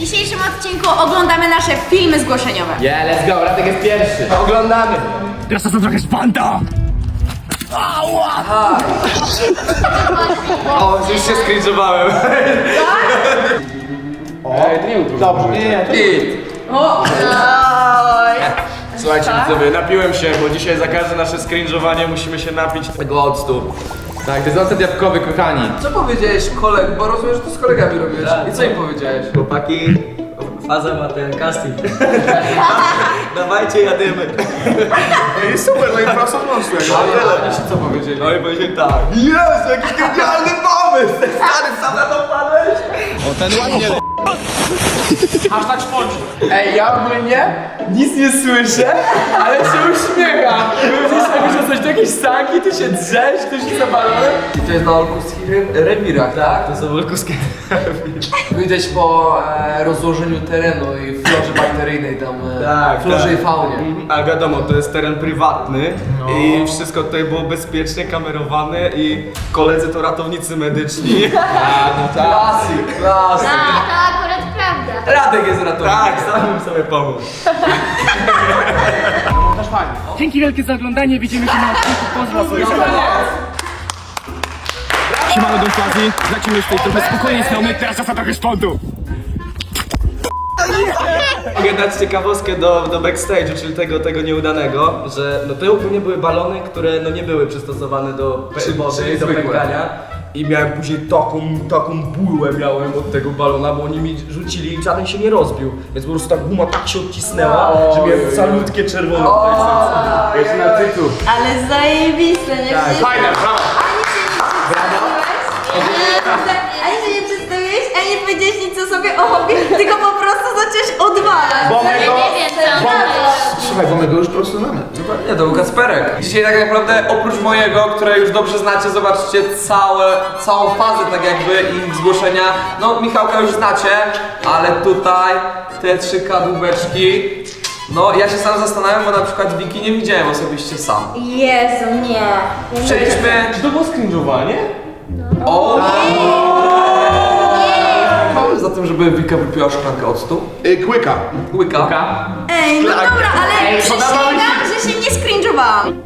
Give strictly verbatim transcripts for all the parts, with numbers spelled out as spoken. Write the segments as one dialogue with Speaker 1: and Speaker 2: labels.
Speaker 1: dzisiejszym odcinku oglądamy nasze filmy zgłoszeniowe.
Speaker 2: Yeah, let's go, Radek jest pierwszy. Oglądamy. Teraz to są trochę szpanta. Ała! O, już się skrinżowałem. Ej, to nie był dobrze. Nie, nie,
Speaker 1: O! Oj.
Speaker 3: Słuchajcie widzowie, napiłem się, bo dzisiaj za każde nasze skrinżowanie musimy się napić tego octu.
Speaker 2: Tak, to jest ocet jabłkowy, kochani.
Speaker 4: Co powiedziałeś koleg, bo rozumiem, że to z kolegami robiłeś. I co im powiedziałeś?
Speaker 5: Chłopaki, faza ma ten casting. Dawajcie, jadymy.
Speaker 3: I super, no i prosto w nocy.
Speaker 4: Ale oni co powiedzieli?
Speaker 5: No i powiedzieli tak. Jezu, jakiś genialny pomysł! Stary, sam na to wpadłeś?
Speaker 3: Hashtag szponci.
Speaker 2: Ej, ja ogólnie nic nie słyszę, ale się uśmiecham. Myślę, coś, to jakieś sanki, ty się drzesz, ty się zapalony.
Speaker 4: I to jest na olkuskich re rewirach, tak?
Speaker 5: To są olkuskie.
Speaker 4: Widać po e, rozłożeniu terenu i florze bakteryjnej tam, e,
Speaker 3: Tak,
Speaker 4: florze
Speaker 3: tak.
Speaker 4: i faunie.
Speaker 3: Ale wiadomo, to jest teren prywatny i wszystko tutaj było bezpiecznie kamerowane i koledzy to ratownicy medyczni.
Speaker 4: Klasyk, klasyk.
Speaker 6: Tak, to akurat prawda.
Speaker 4: Radek jest ratownikiem.
Speaker 3: Tak, sam bym sobie pomógł.
Speaker 2: Dzięki wielkie za oglądanie, widzimy się na odcinku. Pozdro sobie. Siemano do Fazji, lecimy z tej trochę spokojnej strony, teraz czas na trochę szpontu.
Speaker 3: Mogę dać ciekawostkę do, do backstage'u, czyli tego, tego nieudanego, że no to ogólnie były balony, które no nie były przystosowane do pe- wody,
Speaker 4: czyli
Speaker 3: do
Speaker 4: zwykłe.
Speaker 3: pękania. I miałem później taką, taką bułę miałem od tego balona, bo oni mi rzucili i żaden się nie rozbił. Więc po prostu ta guma tak się odcisnęła, że miałem calutkie czerwone tutaj serce. Jeszcze na tytuł.
Speaker 1: Ale zajebiste, nie?
Speaker 3: Tak,
Speaker 1: Przecież-
Speaker 3: fajne, brawo!
Speaker 1: Ani się nie przedstawiłeś, ani nie powiedziałeś nic o sobie o hobby, tylko po prostu zacząłeś odwalać.
Speaker 3: Bo my
Speaker 6: Nie
Speaker 3: go...
Speaker 6: wiem, co on
Speaker 7: Słuchaj, bo my go już po prostu znamy.
Speaker 4: Nie, to był Kacperek. Dzisiaj tak naprawdę oprócz mojego, które już dobrze znacie, zobaczcie całe, całą fazę tak jakby ich zgłoszenia. No Michałka już znacie, ale tutaj te trzy kadłubeczki. No ja się sam zastanawiam, bo na przykład Wiki nie widziałem osobiście sam.
Speaker 1: Jezu, nie.
Speaker 4: Przejdźmy.
Speaker 3: Czy to było skrinżowanie?
Speaker 4: O! Za tym, żeby Wika wypiła szklankę octu.
Speaker 7: Y, Kłyka.
Speaker 4: Łyka.
Speaker 1: Ej, no dobra, ale
Speaker 2: Ej, podoba mi się.
Speaker 1: przysięgam, że się nie skrinżowałam.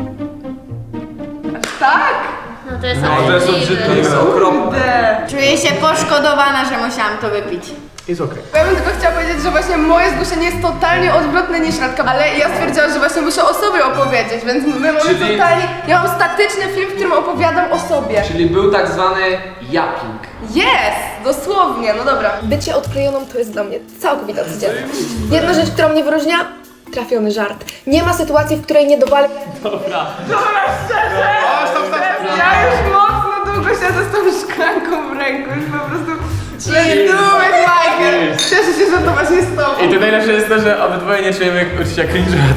Speaker 1: Tak?
Speaker 6: No to jest
Speaker 4: To jest obrzydliwe. To jest okropne.
Speaker 1: Czuję się poszkodowana, że musiałam to wypić.
Speaker 7: Jest okej.
Speaker 8: Ja bym tylko chciała powiedzieć, że właśnie moje zgłoszenie jest totalnie odwrotne niż Radka, ale ja stwierdziłam, że właśnie muszę o sobie opowiedzieć, więc my mamy
Speaker 4: Czyli-
Speaker 8: totalnie... Ja mam statyczny film, w którym opowiadam o sobie.
Speaker 4: Czyli był tak zwany japping.
Speaker 8: Jest! Dosłownie, no dobra.
Speaker 9: Bycie odklejoną to jest dla mnie całkowita codzienność. Jedna rzecz, która mnie wyróżnia, trafiony żart. Nie ma sytuacji, w której nie dowalę.
Speaker 8: Ja już mocno długo siedzę z tą szklanką w ręku, już po prostu... Let's do it, Michael! Cieszę się, że to właśnie z tobą.
Speaker 2: I to najlepsze jest to, że obydwoje nie czujemy uczucia cringe'a.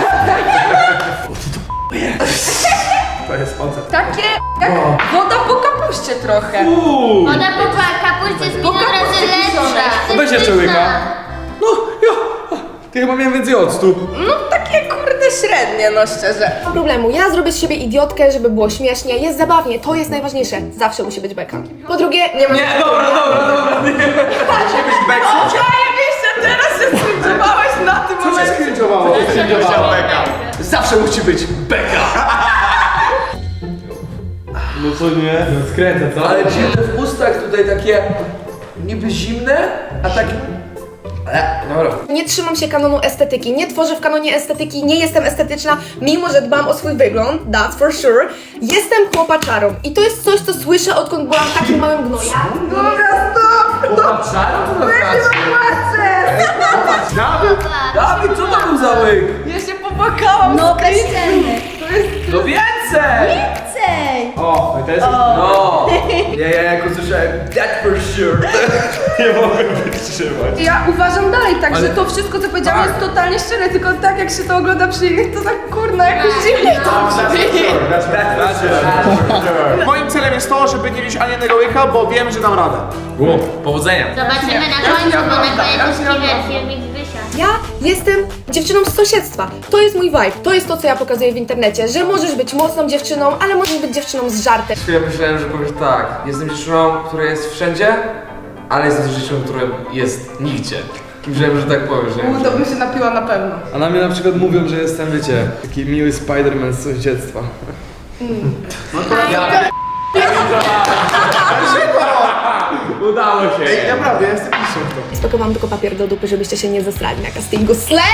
Speaker 7: To jest ocet.
Speaker 8: Takie jak woda po kapuście trochę.
Speaker 6: Ona po kapuście jest milion razy lepsza. To
Speaker 3: Weź
Speaker 6: jest
Speaker 3: jeszcze łyka.
Speaker 6: pyszna.
Speaker 3: No, ja. Ty chyba miałem więcej octu.
Speaker 8: No takie kurde średnie, no szczerze.
Speaker 9: Nie ma problemu, ja zrobię z siebie idiotkę, żeby było śmiesznie, jest zabawnie, to jest najważniejsze. Zawsze musi być beka. Po drugie, nie ma...
Speaker 4: Nie, dobra, dobra, dobra. Nie. Musi być beka.
Speaker 8: Zajebiście, teraz się skręciwałeś na tym
Speaker 7: Co cię
Speaker 8: momencie.
Speaker 7: skringowało?
Speaker 3: Zawsze musi być beka. No co nie?
Speaker 2: No skręca, co?
Speaker 4: Ale dziwne w ustach tutaj takie niby zimne, a tak... E, dobra.
Speaker 9: Nie trzymam się kanonu estetyki, nie tworzę w kanonie estetyki, nie jestem estetyczna, mimo że dbam o swój wygląd, that's for sure. Jestem chłopaczarą i to jest coś, co słyszę, odkąd byłam takim małym gnojem.
Speaker 8: Dobra, stop!
Speaker 2: Popatrzałem, co to znaczy?
Speaker 4: Dawid, co to był za łyk?
Speaker 8: Ja się popłakałam.
Speaker 1: No bez sceny.
Speaker 4: No więcej!
Speaker 1: Więcej!
Speaker 2: O, i to jest...
Speaker 4: No! Ja, ja jak usłyszałem that for sure.
Speaker 3: Nie mogę wytrzymać.
Speaker 8: Ja uważam dalej tak, że to wszystko co powiedziałam jest totalnie szczere, tylko tak jak się to ogląda przy innych, to tak kurna jakoś dziwnie to brzmi.
Speaker 7: Moim celem jest to, żeby nie mieć ani jednego łyka, bo wiem, że dam radę.
Speaker 2: Powodzenia.
Speaker 6: Zobaczymy na końcu, bo na koniec jest filmik Wysia.
Speaker 9: Ja jestem dziewczyną z sąsiedztwa. To jest mój vibe, to jest to, co ja pokazuję w internecie, że możesz być mocną dziewczyną, ale możesz być dziewczyną z żartem.
Speaker 4: Ja myślałem, że powiesz tak, jestem dziewczyną, która jest wszędzie, ale jest to życiu, które jest nigdzie. Wiem, że tak powiem, że...
Speaker 8: U, to bym się napiła na pewno.
Speaker 3: A na mnie na przykład mówią, że jestem, wiecie, taki miły Spider-Man z dzieciństwa.
Speaker 2: Udało się.
Speaker 7: Ej, naprawdę, ja jestem mistrzem w to.
Speaker 9: Spoko, mam tylko papier do dupy, żebyście się nie zesrali na castingu. Slay!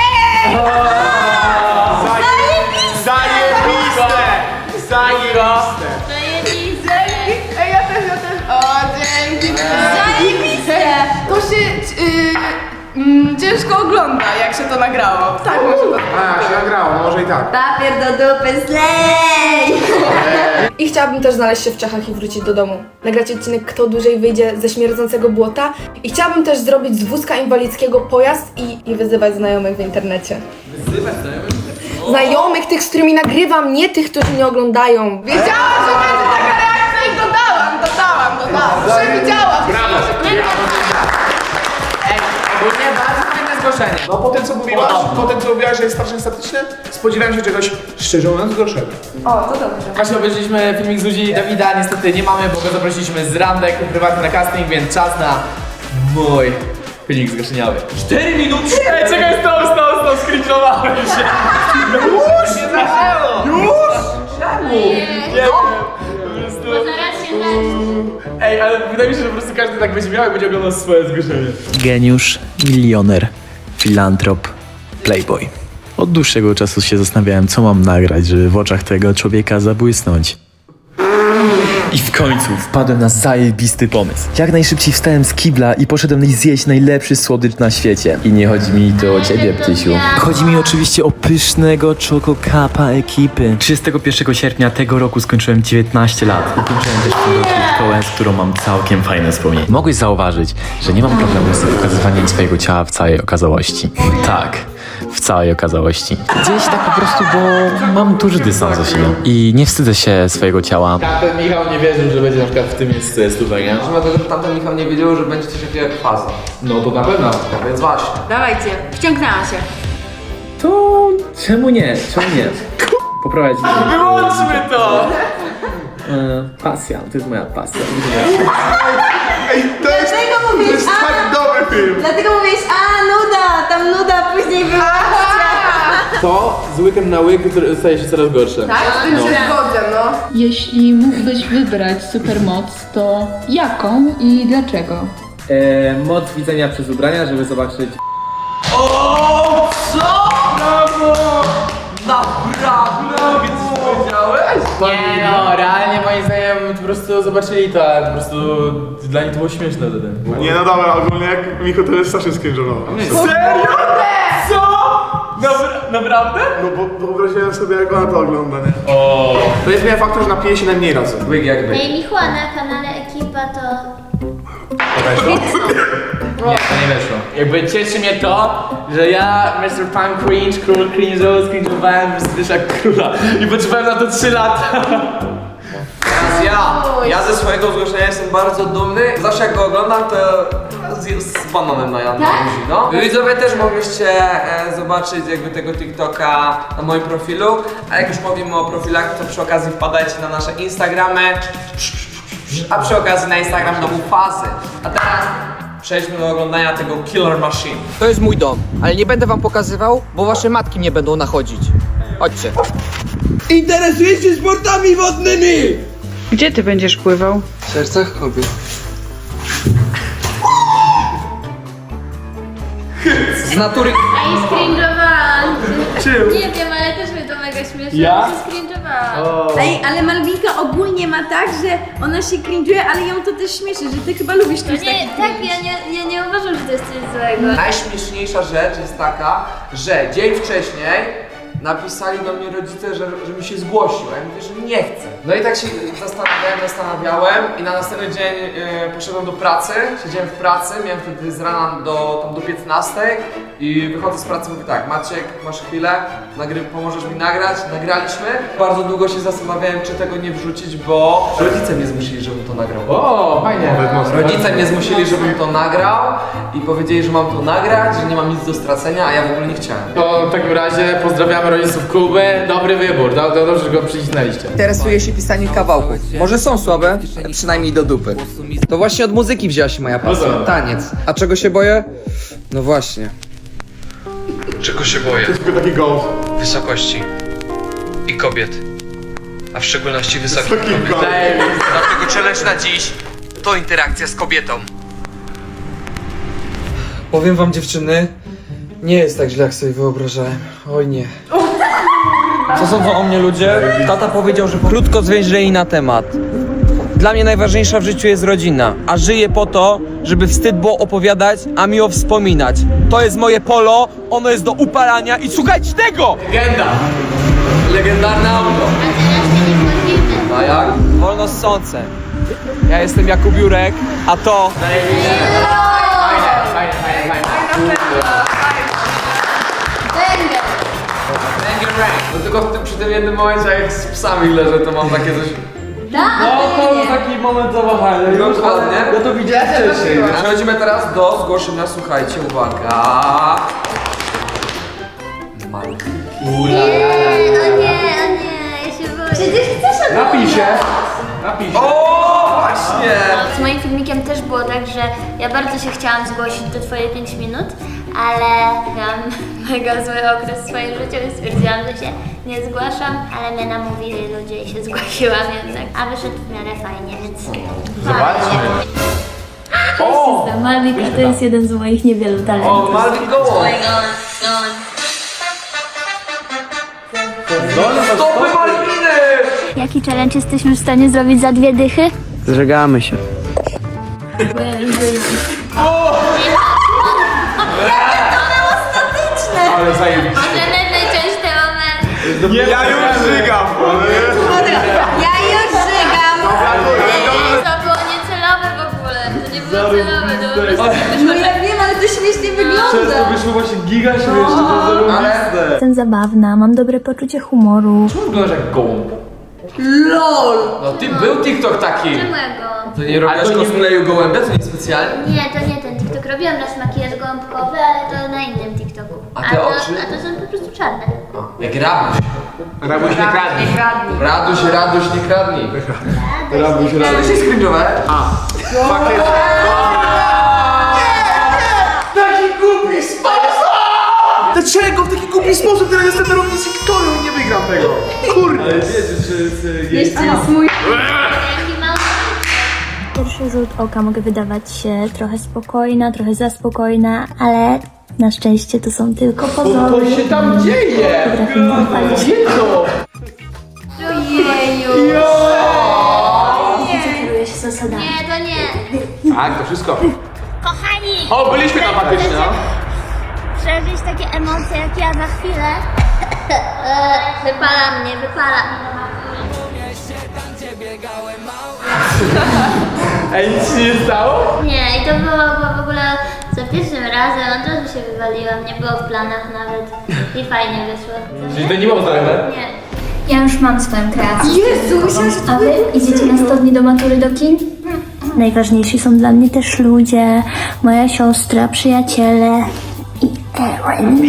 Speaker 7: Zajebiste! Zajebiste!
Speaker 6: Zajebiste.
Speaker 8: Ej, ja też, ja też. O, dzięki.
Speaker 1: Zajebiste!
Speaker 8: To się y, mm, ciężko ogląda, jak się to nagrało. Tak, może to.
Speaker 7: A, się nagrało, no może i tak.
Speaker 1: Papier do dupy, slay!
Speaker 9: I chciałabym też znaleźć się w Czechach i wrócić do domu. Nagrać odcinek Kto dłużej wyjdzie ze śmierdzącego błota. I chciałabym też zrobić z wózka inwalidzkiego pojazd i, i wyzywać znajomych w internecie.
Speaker 2: Wyzywać znajomych?
Speaker 9: Znajomych, tych, z którymi nagrywam, nie tych, którzy mnie oglądają.
Speaker 8: Wiedziałam, że będzie taka reakcja i dodałam, dodałam, dodałam. Przewidziałam. Brawo.
Speaker 2: Ogólnie bardzo fajne zgłoszenie.
Speaker 7: No po tym co mówiłaś, po tym co mówiłaś, że jest strasznie statyczny, spodziewałem się czegoś szczerze mówiąc gorszego.
Speaker 8: O, to dobrze.
Speaker 2: Właśnie obejrzeliśmy filmik z ludzi Dawida, niestety nie mamy, bo go zaprosiliśmy z randek prywatny na casting, więc czas na mój filmik zgłoszeniowy. cztery minuty? Ej, czekaj, stop, stop, stop, skrinczowałem się. Już? Nie zaczęło. Już? Czemu? Nie wiem. Po prostu...
Speaker 6: Bo zaraz się da.
Speaker 2: Ej, ale wydaje mi się, że po prostu każdy tak będzie miał i będzie oglądał swoje zgłoszenie.
Speaker 10: Geniusz, milioner, filantrop, playboy. Od dłuższego czasu się zastanawiałem, co mam nagrać, żeby w oczach tego człowieka zabłysnąć. I w końcu wpadłem na zajebisty pomysł. Jak najszybciej wstałem z kibla i poszedłem zjeść najlepszy słodycz na świecie. I nie chodzi mi tu o ciebie, Ptysiu. Chodzi mi oczywiście o pysznego Choco Cupa ekipy. trzydziestego pierwszego sierpnia tego roku skończyłem dziewiętnaście lat. Ukończyłem też w tym roku szkołę, z którą mam całkiem fajne wspomnienia. Mogłeś zauważyć, że nie mam problemu z pokazywaniem swojego ciała w całej okazałości. Tak. W całej okazałości. Dzieje się tak po prostu, bo mam duży dystans do siebie. I nie wstydzę się swojego ciała.
Speaker 2: Tamten Michał nie wierzył, że będzie na przykład w tym miejscu stówek, nie?
Speaker 4: Może dlatego, że tamten Michał nie wiedział, że będzie coś takiego jak faza.
Speaker 2: No to na pewno.
Speaker 4: Więc właśnie.
Speaker 1: Dawajcie, wciągnęłam się.
Speaker 10: To czemu nie? Czemu nie? Poprowadź mnie.
Speaker 2: Wyłączmy to!
Speaker 10: E, pasja, to jest moja pasja.
Speaker 7: Ej, to jest,
Speaker 1: Dlatego
Speaker 7: to
Speaker 1: mówisz,
Speaker 7: jest tak
Speaker 1: a,
Speaker 7: dobry film.
Speaker 1: dlatego mówisz, a nuda, tam nuda, później wyłączcie.
Speaker 2: To z łykiem na łyk który staje się coraz gorsze.
Speaker 8: Tak, z tym się zgodzę, no.
Speaker 11: Jeśli mógłbyś wybrać supermoc, to jaką i dlaczego?
Speaker 2: E, moc widzenia przez ubrania, żeby zobaczyć...
Speaker 4: O, co? Brawo! Naprawdę? Więc powiedziałeś?
Speaker 2: Nie no, realnie moim zdaniem po prostu zobaczyli to, a po prostu dla nich to było śmieszne wtedy.
Speaker 7: Nie no dobra, ogólnie jak Micho to jest strasznie skrinżował.
Speaker 2: Serio? Co? Dobra, naprawdę?
Speaker 7: No bo wyobraziłem sobie jak ona to ogląda, nie?
Speaker 2: O.
Speaker 7: To jest miałem faktor, że napije się najmniej razy.
Speaker 4: Łyk jakby.
Speaker 6: Ej, Michła, na kanale Ekipa to...
Speaker 2: Nie, to nie weszło. Jakby cieszy mnie to, że ja, mister Pan Cringe, król cringe'u, cringe'owałem Zbyszek Króla i potrzebowałem na to trzy lata.
Speaker 4: Teraz ja, ja ze swojego zgłoszenia jestem bardzo dumny. Zawsze jak go oglądam, to z, z bananem na, na buzi, no. Wy widzowie też mogliście e, zobaczyć jakby tego TikToka na moim profilu. A jak już mówimy o profilach, to przy okazji wpadajcie na nasze Instagramy. A przy okazji na Instagram domu Fazy. A teraz przejdźmy do oglądania tego Killer Machine.
Speaker 12: To jest mój dom, ale nie będę wam pokazywał, bo wasze matki mnie będą nachodzić. Chodźcie.
Speaker 3: Interesujesz się sportami wodnymi!
Speaker 11: Gdzie ty będziesz pływał?
Speaker 3: W sercach kobiet.
Speaker 12: Z natury...
Speaker 6: Ej, screenowałam.
Speaker 2: Czym?
Speaker 6: Nie wiem, ale też mnie to mega śmieszne.
Speaker 2: Ja?
Speaker 6: że się screenowałam.
Speaker 1: Ej, ale Malwinka ogólnie ma tak, że ona się cringe'uje, ale ją to też śmieszy, że ty chyba lubisz
Speaker 6: To
Speaker 1: coś
Speaker 6: nie,
Speaker 1: takiego.
Speaker 6: tak, ja nie, ja nie uważam, że to jest coś złego.
Speaker 4: Najśmieszniejsza rzecz jest taka, że dzień wcześniej napisali do mnie rodzice, że, żebym się zgłosił, a ja mówię, że nie chcę. No i tak się zastanawiałem, zastanawiałem i na następny dzień e, poszedłem do pracy, siedziałem w pracy, miałem wtedy z rana do, tam do piętnastej i wychodzę z pracy, mówię tak, Maciek, masz chwilę, nagry, pomożesz mi nagrać, nagraliśmy. Bardzo długo się zastanawiałem, czy tego nie wrzucić, bo rodzice mnie zmusili, żebym to nagrał.
Speaker 2: O, fajnie.
Speaker 4: Rodzice mnie zmusili, żebym to nagrał i powiedzieli, że mam to nagrać, że nie mam nic do stracenia, a ja w ogóle nie chciałem.
Speaker 2: To w takim razie pozdrawiamy rodziców Kuby. Dobry wybór, do, do, dobrze, że go przycisnęliście.
Speaker 12: Interesuje się pisanie kawałków. Może są słabe, ale przynajmniej do dupy. To właśnie od muzyki wzięła się moja pasja. Taniec. A czego się boję? No właśnie. Czego się boję?
Speaker 7: Tylko taki gołd.
Speaker 12: Wysokości. I kobiet. A w szczególności wysokich
Speaker 7: Taki
Speaker 12: kobiet.
Speaker 7: gołd.
Speaker 12: Dlatego challenge na dziś to interakcja z kobietą. Powiem wam, dziewczyny, nie jest tak źle, jak sobie wyobrażałem. Oj nie. Co sądzą o mnie ludzie? Tata powiedział, że krótko zwięźlej na temat. Dla mnie najważniejsza w życiu jest rodzina, a żyję po to, żeby wstyd było opowiadać, a miło wspominać. To jest moje polo, ono jest do upalania i słuchajcie tego!
Speaker 4: Legenda! Legendarne auto.
Speaker 6: A teraz się nie wchodzimy.
Speaker 4: A jak?
Speaker 12: Wolno ssące. Ja jestem Jakub Jurek, a to...
Speaker 2: Fajne, fajne, fajne.
Speaker 6: Będę.
Speaker 4: No tylko w tym, przy tym jednym momencie, jak z psami leżę, to mam takie coś...
Speaker 6: No,
Speaker 12: to był taki moment zawahania.
Speaker 4: No dokładnie.
Speaker 12: Ja to widziałem wcześniej.
Speaker 4: Przechodzimy teraz do zgłoszenia, słuchajcie, uwaga. Malki.
Speaker 6: Nie, o nie, o nie, ja się boję. Przecież chcesz
Speaker 7: Napiszę. Napiszę.
Speaker 4: O, właśnie!
Speaker 6: Z moim filmikiem też było tak, że ja bardzo się chciałam zgłosić do twoje pięć minut, ale miałam mega zły okres w swoim życiu i stwierdziłam, że się nie zgłaszam, ale mnie namówili ludzie i się zgłosiłam jednak. A wyszedł w miarę fajnie, więc...
Speaker 2: Zobaczmy.
Speaker 6: O! Malwik, a to jest jeden z moich niewielu talentów.
Speaker 4: O, Malwin Gołąb. Stopy Malwiny!
Speaker 6: Jaki challenge jesteśmy w stanie zrobić za dwie dychy?
Speaker 12: Zżegamy się.
Speaker 2: Ale zajebiście.
Speaker 6: Możemy wyciąć te momenty.
Speaker 7: Ja już żygam.
Speaker 1: Ja już żygam.
Speaker 6: To było niecelowe w ogóle. To nie było celowe, to po prostu
Speaker 1: No ja wiem, ale to śmiesznie wygląda.
Speaker 3: wyszło właśnie giga śmieszne, to zarobiste.
Speaker 6: Jestem zabawna, mam dobre poczucie humoru.
Speaker 2: Czemu wyglądasz jak gołąb?
Speaker 1: LOL.
Speaker 2: No ty był TikTok taki.
Speaker 6: Czego?
Speaker 4: To nie robiłaś
Speaker 2: Ale to nie-
Speaker 4: cosplayu gołębia, to nie specjalnie?
Speaker 6: Nie, to nie ten TikTok. Robiłam raz makijaż gąbkowy, ale to na innym TikToku.
Speaker 4: A te
Speaker 6: to,
Speaker 4: oczy?
Speaker 6: a to są po prostu czarne.
Speaker 4: Jak Rabuś.
Speaker 7: Rabuś nie kradnie.
Speaker 4: Raduś, Raduś, nie kradnij.
Speaker 7: Rabuś,
Speaker 4: Co
Speaker 7: Rabuś.
Speaker 4: się skringowe?
Speaker 7: Pakiet. Taki głupi sposób! Dlaczego w taki głupi sposób teraz jestem na równi z Wiktorią i nie wygram tego? Kurde.
Speaker 1: Jeszcze raz mój.
Speaker 6: Jaki mały... Pierwszy rzut oka mogę wydawać się trochę spokojna, trochę za spokojna, ale na szczęście to są tylko pozory.
Speaker 2: Co się tam dzieje?
Speaker 6: Potrafię pochwalić się.
Speaker 2: Co?
Speaker 6: Ojeju! Nie kieruję się zasadami. Nie, to nie.
Speaker 2: Tak, to wszystko.
Speaker 6: Kochani!
Speaker 2: O, byliśmy tam faktycznie, no.
Speaker 6: Przeżyć takie emocje jak ja za chwilę. Wypala mnie, wypala.
Speaker 2: Ej, nic się nie stało?
Speaker 6: Nie, i to było, było w ogóle za pierwszym razem, od razu się wywaliłam, nie było w planach nawet i fajnie wyszło.
Speaker 2: Czyli to nie było zdrowe?
Speaker 6: Nie. Ja już mam swoją kreację.
Speaker 1: Jezu, myślałam, że to
Speaker 6: A wy idziecie na sto dni do matury do kin? Najważniejsi są dla mnie też ludzie, moja siostra, przyjaciele i Aaron.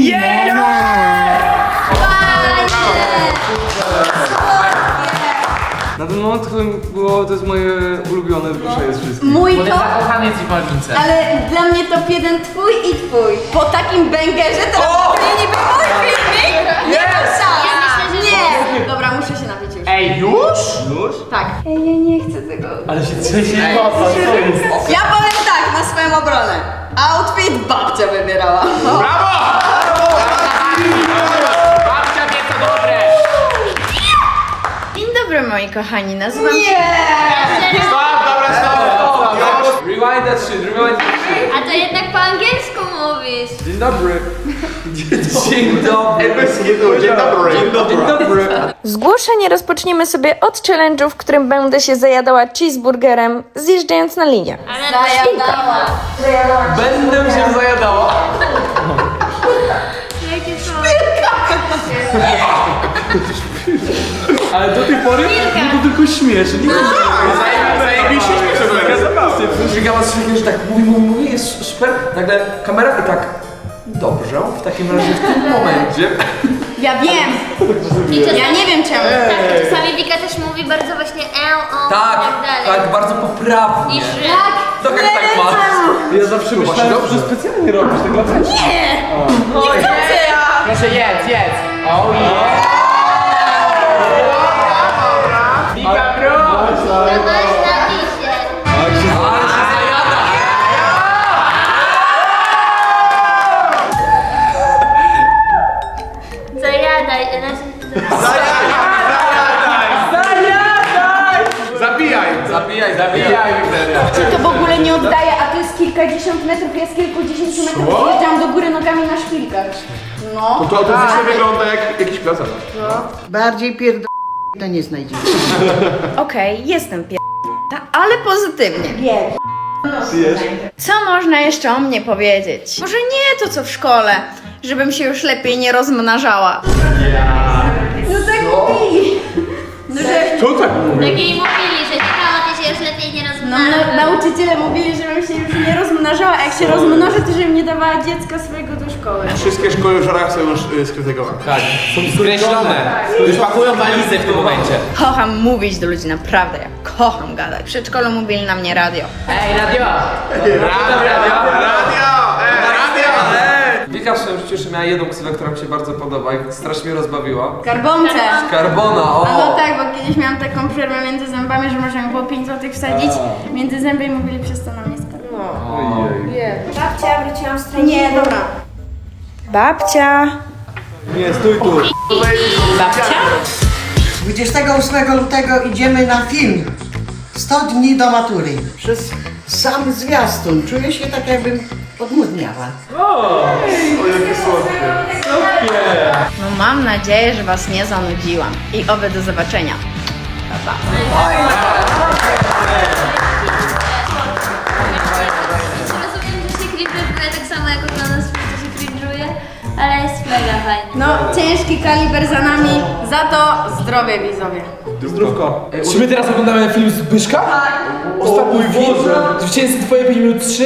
Speaker 3: Na ten moment to było, to jest moje ulubione zgłoszenie z wszystkich.
Speaker 1: Mój
Speaker 2: Bo
Speaker 1: to...
Speaker 2: zakochany jest w Malwince.
Speaker 1: Ale dla mnie top jeden twój i twój. Po takim bęgerze to to nie niby mój filmik? Nie ma szans.
Speaker 6: Ja myślę, że-
Speaker 1: Nie. Dobra, muszę się napić już.
Speaker 2: Ej, już?
Speaker 3: Już?
Speaker 1: Tak. Ej, ja nie chcę tego.
Speaker 2: Ale się trzęsie kosa, co jest?
Speaker 1: Ja powiem tak, na swoją obronę. Outfit babcia wybierała.
Speaker 2: Brawo! Babcia wie co dobre!
Speaker 9: Dzień dobry moi kochani, nazywam się...
Speaker 2: Stop, dobra, stop!
Speaker 4: Rewind that shit, rewind that shit.
Speaker 6: A to jednak po angielsku mówisz.
Speaker 3: Dzień dobry.
Speaker 4: Dzień dobry.
Speaker 7: Ej, bez kitu, dzień dobry.
Speaker 3: Dzień dobry.
Speaker 9: Zgłoszenie rozpoczniemy sobie od challenge'u, w którym będę się zajadała cheeseburgerem, zjeżdżając na linię.
Speaker 6: Ale
Speaker 1: Zajadała.
Speaker 4: Będę się zajadała.
Speaker 6: jakie są...
Speaker 3: Ale do tej pory było to tylko śmieszne.
Speaker 2: Zajebiście śmieszne.
Speaker 4: Żygała z człowiekiem, że tak mówi, mówi, mówi, jest super. Nagle kamera i tak. Dobrze, w takim razie w tym momencie
Speaker 1: Ja wiem!
Speaker 6: I czasami,
Speaker 1: Ja nie wiem czemu.
Speaker 6: tak, czasami Wika też mówi bardzo właśnie e, o
Speaker 4: Tak,
Speaker 6: i tak dalej.
Speaker 4: tak, bardzo poprawnie.
Speaker 6: I że...
Speaker 4: Tak jak tak ma.
Speaker 3: Ja zawsze myślałem, że specjalnie robisz tak naprawdę.
Speaker 1: Nie! Nie chcę!
Speaker 2: Proszę jedz, jedz. Oh yeah. Wika, proszę.
Speaker 6: To masz na pisie.
Speaker 4: Ale się zajada.
Speaker 6: Zajadaj, znaczy...
Speaker 7: Zabijaj!
Speaker 4: Zabijaj, zabijaj.
Speaker 1: To w ogóle nie oddaje, a to jest kilkadziesiąt metrów, ja z kilkudziesięciu metrów wjeżdżam do góry nogami na szpilkach. No.
Speaker 7: To autentycznie wygląda jak jakiś plac.
Speaker 13: Bardziej pierd... to nie znajdziemy.
Speaker 1: Okej, jestem pier... ale pozytywnie. Wiem. Co można jeszcze o mnie powiedzieć? Może nie to co w szkole, żebym się już lepiej nie rozmnażała. No tak mówili. No, że...
Speaker 7: To tak mówi.
Speaker 6: Takiej mówili, że Michała, ty się już lepiej nie
Speaker 1: No,
Speaker 6: rozmawiasz.
Speaker 1: na, nauczyciele mówili, żebym się już nie rozmnażała, a jak się rozmnożę, to żebym nie dawała dziecka swojego do szkoły.
Speaker 7: Wszystkie szkoły w Żorach są już y, skrytykowane.
Speaker 2: Tak, są skreślone. Już pakują walizę w tym momencie.
Speaker 1: Kocham mówić do ludzi, naprawdę, ja kocham gadać. W przedszkolu mówili na mnie radio.
Speaker 2: Ej, radio!
Speaker 7: Radio! Radio! Radio!
Speaker 4: Wika w swoim życiu jeszcze miała jedną ksywę, która mi się bardzo podoba i strasznie mnie rozbawiła.
Speaker 1: Skarbonce!
Speaker 4: Karbona, o!
Speaker 1: A no tak, bo kiedyś miałam taką przerwę między zębami, że można mi było pięć złotych wsadzić między zęby i mówili przez to na mnie skarbonce.
Speaker 9: Babcia, wróciłam z treningu.
Speaker 1: Nie, dobra. Babcia.
Speaker 3: Nie, stój tu.
Speaker 1: Babcia?
Speaker 13: dwudziestego ósmego lutego idziemy na film. sto dni do matury. Przez sam zwiastun czuję się tak, jakbym odmłodniała.
Speaker 7: O, jakie słodkie.
Speaker 1: No mam nadzieję, że was nie zanudziłam. I oby do zobaczenia. Pa, pa.
Speaker 6: Rozumiem, że się cringe'uje tak samo jak oglądam swój, co się cringe'uje, ale jest mega fajnie.
Speaker 1: No, ciężki kaliber za nami, za to zdrowie widzowie.
Speaker 3: Zdrówko.
Speaker 2: Czy my teraz oglądamy film Zbyszka? Tak. Ostatni film? Zwycięzcy twoje pięć minut trzy?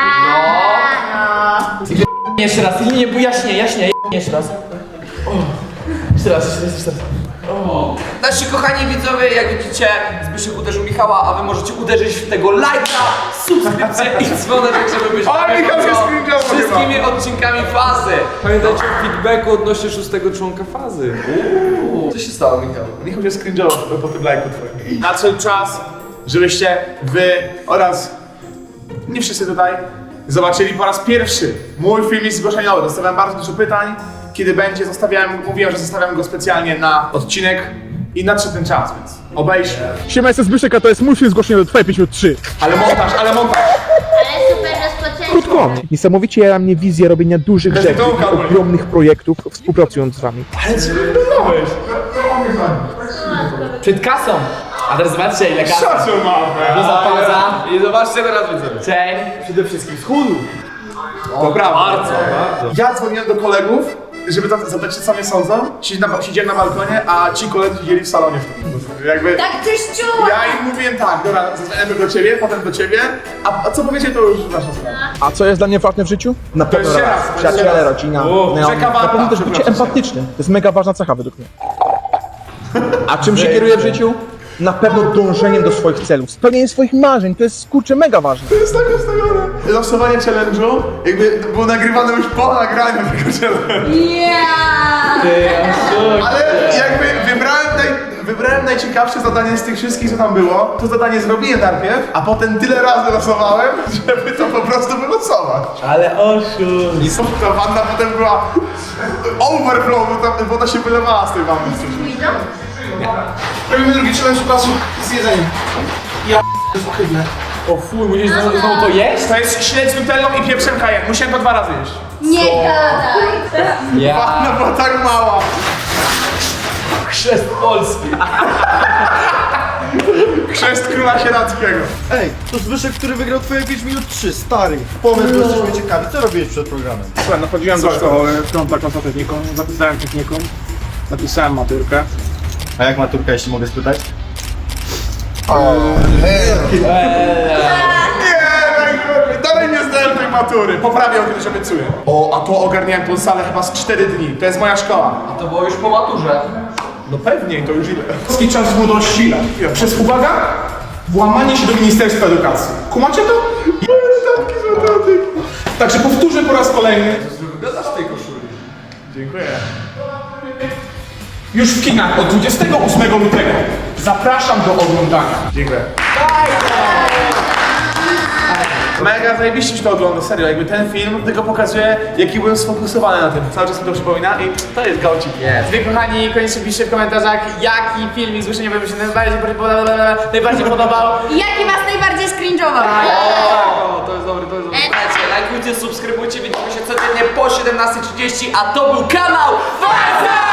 Speaker 6: Tak.
Speaker 2: Jeszcze raz, nie, nie, bo jaśnie, jaśnie, jeszcze raz. O. Jeszcze raz, jeszcze raz, jeszcze raz. O.
Speaker 4: Nasi kochani widzowie, jak widzicie, Zbyszek uderzył Michała, a wy możecie uderzyć w tego lajka, subskrypcję i dzwoneczek, żeby być
Speaker 7: Ale
Speaker 4: na
Speaker 7: Michał się
Speaker 4: bieżąco
Speaker 7: screenshotował
Speaker 4: z wszystkimi odcinkami fazy.
Speaker 12: Pamiętajcie o feedbacku odnośnie szóstego członka fazy.
Speaker 4: Co się stało, Michał?
Speaker 7: Michał się scringe'ował po tym lajku twoim. Nadszedł czas, żebyście wy oraz nie wszyscy tutaj zobaczyli po raz pierwszy mój filmik zgłoszeniowy. Dostałem bardzo dużo pytań, kiedy będzie, zostawiałem, mówiłem, że zostawiam go specjalnie na odcinek i nadszedł ten czas, więc obejrzmy. Siema, jestem Zbyszek, a to jest mój film zgłoszeniowy, twoje pięć minut trzy. Ale montaż, ale montaż.
Speaker 6: Ale super rozpoczęcie.
Speaker 14: Krótko, niesamowicie ja mnie wizję robienia dużych
Speaker 7: Bez
Speaker 14: rzeczy,
Speaker 7: dołka, bo-
Speaker 14: ogromnych projektów, współpracując z wami.
Speaker 7: Ale co wyglądałeś?
Speaker 2: Przed kasą. A teraz zobaczcie ile kasy.
Speaker 7: Szacun mamy.
Speaker 2: Duża pauza.
Speaker 4: I zobaczcie teraz widzowie.
Speaker 2: Chain.
Speaker 3: Przede wszystkim schudł.
Speaker 7: To prawda.
Speaker 4: Bardzo, bardzo.
Speaker 7: Ja dzwoniłem do kolegów, żeby za- zapytać się, co mnie sądzą. Siedzi na, siedziałem na balkonie, a ci koledzy siedzieli w salonie wtedy. Jakby...
Speaker 1: Tak coś czuła!
Speaker 7: Ja im mówiłem tak, dobra, zadzwonię do ciebie, potem do ciebie, a, a co powiecie, to już wasza sprawa.
Speaker 14: A co jest dla mnie ważne w życiu? Na
Speaker 7: To
Speaker 14: pewno
Speaker 7: jest
Speaker 14: relacje,
Speaker 7: raz, to jest
Speaker 14: przyjaciele,
Speaker 7: raz.
Speaker 14: rodzina,
Speaker 7: O,
Speaker 14: znajomi.
Speaker 7: rzeka warta,
Speaker 14: Na pewno też bycie
Speaker 7: przepraszam.
Speaker 14: empatyczny. To jest mega ważna cecha według mnie. A czym się kieruję w życiu? Na pewno dążeniem do swoich celów, spełnieniem swoich marzeń, to jest kurczę mega ważne.
Speaker 7: To jest tak ustawione. Losowanie challenge'u, jakby było nagrywane już po nagraniu tego challenge'u.
Speaker 1: Yeah!
Speaker 7: Ale jakby wybrałem, naj, wybrałem najciekawsze zadanie z tych wszystkich, co tam było. To zadanie zrobiłem najpierw, a potem tyle razy losowałem, żeby to po prostu wylosować.
Speaker 3: Ale oszust.
Speaker 7: I ta wanna potem była overflow, bo tam woda się wylewała z tej wanny. Robimy drugi challenge czasu z jedzeniem. Ja to jest ohydne.
Speaker 2: O fuj, musisz znowu znowu to jeść?
Speaker 7: To jest śledź z nutellą i pieprzem kajen. Musiałem to dwa razy jeść.
Speaker 1: Nie gadaj!
Speaker 2: Ja.
Speaker 7: Wanna była tak mała.
Speaker 2: Chrzest Polski.
Speaker 7: Chrzest króla sieradzkiego.
Speaker 5: Ej, to Zbyszek, który wygrał twoje pięć minut trzy, stary. Pomysł, bo jesteśmy ciekawi. Co robiłeś przed programem?
Speaker 14: Słuchaj, no chodziłem do szkoły, w kontakt z techniką, zapisałem technikum, napisałem maturkę.
Speaker 5: A jak maturka, jeśli mogę spytać?
Speaker 7: Nie, najgorzej. Dalej nie zdałem tej matury. Poprawię o kiedyś, obiecuję. O, a to ogarniałem tą salę chyba z cztery dni. To jest moja szkoła.
Speaker 4: A to było już po maturze.
Speaker 7: No pewnie, to już ile? Polski czas młodości przez, uwaga, włamanie się do Ministerstwa Edukacji. Kumacie to? Dodatki z matematyki. Także powtórzę po raz kolejny.
Speaker 4: Wyglądasz w tej koszuli.
Speaker 7: Dziękuję. Już w kinach od dwudziestego ósmego lutego. Zapraszam do oglądania. Dziękuję. Mega zajebiście mi się to ogląda, serio, jakby ten film tylko pokazuje, jaki byłem sfokusowany na tym. Cały czas mi to przypomina i to jest gałcik.
Speaker 2: Yes. Wy kochani, koniecznie piszcie w komentarzach, jaki filmik z Łyszenia wam się najbardziej podobał, najbardziej podobał.
Speaker 1: I jaki was najbardziej skringe'ował?
Speaker 4: O, to jest dobry, to jest dobry. Słuchajcie, lajkujcie, subskrybujcie, widzimy się codziennie po siedemnastej trzydzieści, a to był kanał Faza!